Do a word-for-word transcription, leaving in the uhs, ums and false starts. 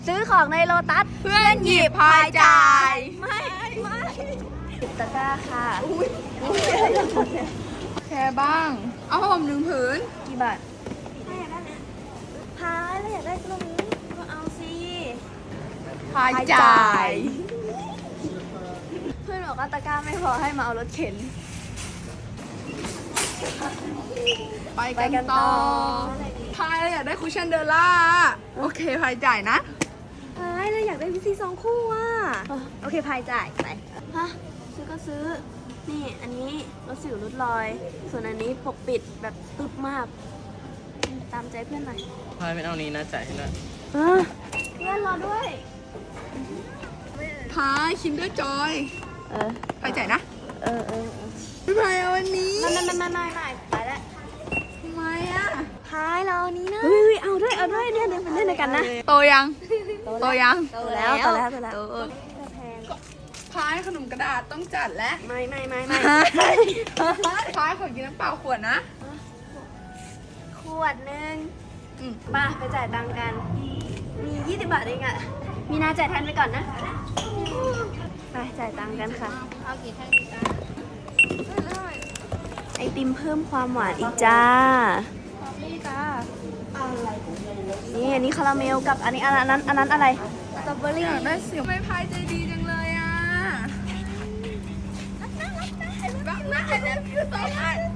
ซื้อของในโลตัสเพื่อนหยิบพายจ่ายไม่ไม่ติดตะกร้าค่ะแค่บ้าง เอาผ้าห่มหนึ่งผืนกี่บาทถ้าอยากได้นะพายแล้วอยากได้ตรงนี้ก็เอาสิพายจ่ายเพื่อนบอกว่าตะกร้าไม่พอให้มาเอารถเข็นไปไปกันกันต่ต่ออพายเราอยากได้คุชชั่นเดอล่า โอเคพายจ่ายนะพายแล้วอยากได้วิซีสองคู่อ่ะโอเคพายจ่ายไปฮะซื้อก็ซื้อ นี่อันนี้ลดสิวลดรอย ส่วนอันนี้ปกปิดแบบตึบมาก ตามใจเพื่อนหน่อยพายไม่เอานี้นะจ่ายให้ด้วยเพื่อนรอด้วยพายคินเดอร์จอยเออพายจ่ายนะเออเออพี่พายเอาวันนี้ไม่ไม่ไม่ไม่ไม่ไม่ไปแล้วทำไมอ่ะพายเราอันนี้นะเฮ้ยเอาด้วยเอาด้วยเนี่ยเดี๋ยวไปเล่นด้วยกันนะโตยัง โตยังโตแล้วโตแล้วโตแล้วโตแพงพายขนมกระดาษต้องจัดแล้วไม่ไม่ไม่ไม่พายขอกินน้ำเปล่าขวดนะขวดหนึ่งอืมมาไปจ่ายตังค์กัน มียี่สิบบาทเองอะมีนาจ่ายแทนไปก่อนนะ ไปจ่ายตังค์กันค่ะเอากี่แท่งดีจ้าไอติมเพิ่มความหวานอีกจ้านี่จ้านี่อันนี้คาราเมลกับอันนี้อันนั้น อันนั้นอะไร สตรอเบอรี่อยากได้สิวไม่พายใจดีจังเลยอ่ะรักนะรักนะรักนะ I love you so much